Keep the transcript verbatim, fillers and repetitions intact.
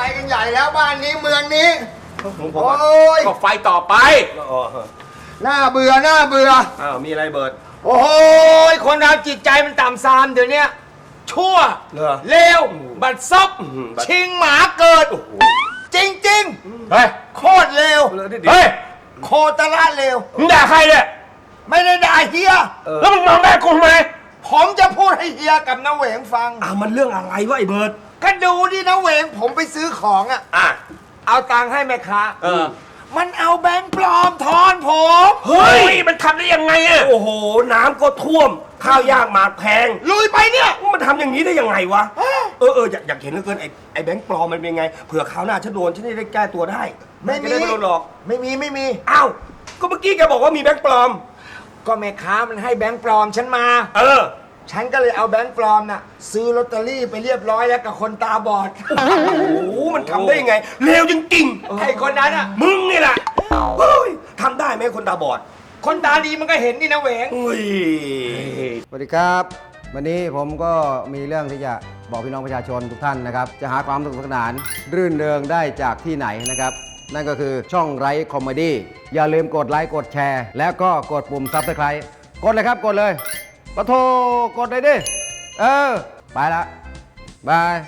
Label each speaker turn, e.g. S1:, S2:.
S1: ไปกันใหญ่แล้วบ้านนี้เมืองนี้
S2: โอ้
S1: โอ้ย
S2: ก็ไฟต่อไป
S1: น่าเบื่อน่าเบื่อ
S2: อ้าวมีอะไรเบิร์ด
S1: โอ้ยคนเราจิตใจมันต่ำทรามเดี๋ยวนี้ชั่ว
S2: เหรอ
S1: เลวบัดซบ
S2: บัด
S1: ชิงหมาเกิด จริงจริง
S2: เฮ้ย
S1: ๆโคตรเลว
S2: เฮ้ย
S1: โคตรละเลว
S2: มึงด่าใครเนี่ย
S1: ไม่ได้ด่าเฮีย
S2: แล้วมึงมองหน้ากูทำไม
S1: ผมจะพูดให้เฮียกับน้าเหวงฟัง
S3: อ่ะมันเรื่องอะไรวะไอ้เบิร์ด
S1: ก็ดูดิน้าเหวงผมไปซื้อของอ่ะ
S2: อ่ะ
S1: เอาตังค์ให้แม่ค้า
S2: เออ
S1: มันเอาแบงค์ปลอมทอนผม
S2: เฮ้ยมันทำได้ยังไงอะ
S3: โอ้โหน้ำก็ท่วม ข้าวยากหมากแพง
S1: ลุยไปเนี่ย
S3: มันทำอย่างนี้ได้ยังไงวะเออเอออยากอยากเห็นเหลือเกินไอ้ไอ้แบงค์ปลอมมันเป็นไงเผื่อคราวหน้าฉันโดนฉันจะได้แก้ตัวได้
S1: ไม่มี
S3: จะด้ไม่โดนหลอก
S1: ไม่มีไม่มี
S3: อ้าวก็เมื่อกี้แกบอกว่ามีแบงค์ปลอม
S1: ก็แม่ค้ามันให้แบงค์ปลอมฉันมา
S3: เออ
S1: ฉันก็เลยเอาแบงค์ปลอมน่ะซื้อลอตเตอรี่ไปเรียบร้อยแล้วกับคนตาบอด
S3: โอ้โหมันทำได้ยังไงเลวจริงๆ
S1: ไอ้คนนั้นอ่ะ
S3: มึงนี่แหละเฮ้ยทำได้ไหมคนตาบอด
S1: คนตาดีมันก็เห็นนี่นะเหวง
S3: เฮ้ย
S4: สวัสดีครับ วันนี้ผมก็มีเรื่องที่จะบอกพี่น้องประชาชนทุกท่านนะครับ จะหาความสนุกสนาน รื่นเริงได้จากที่ไหนนะครับ นั่นก็คือช่องไร้คอมเมดี้อย่าลืมกดไลค์กดแชร์ แล้วก็กดปุ่มซับสไครต์กดเลยครับกดเลยปะโทกดเลยดิ เออ ไปละบาย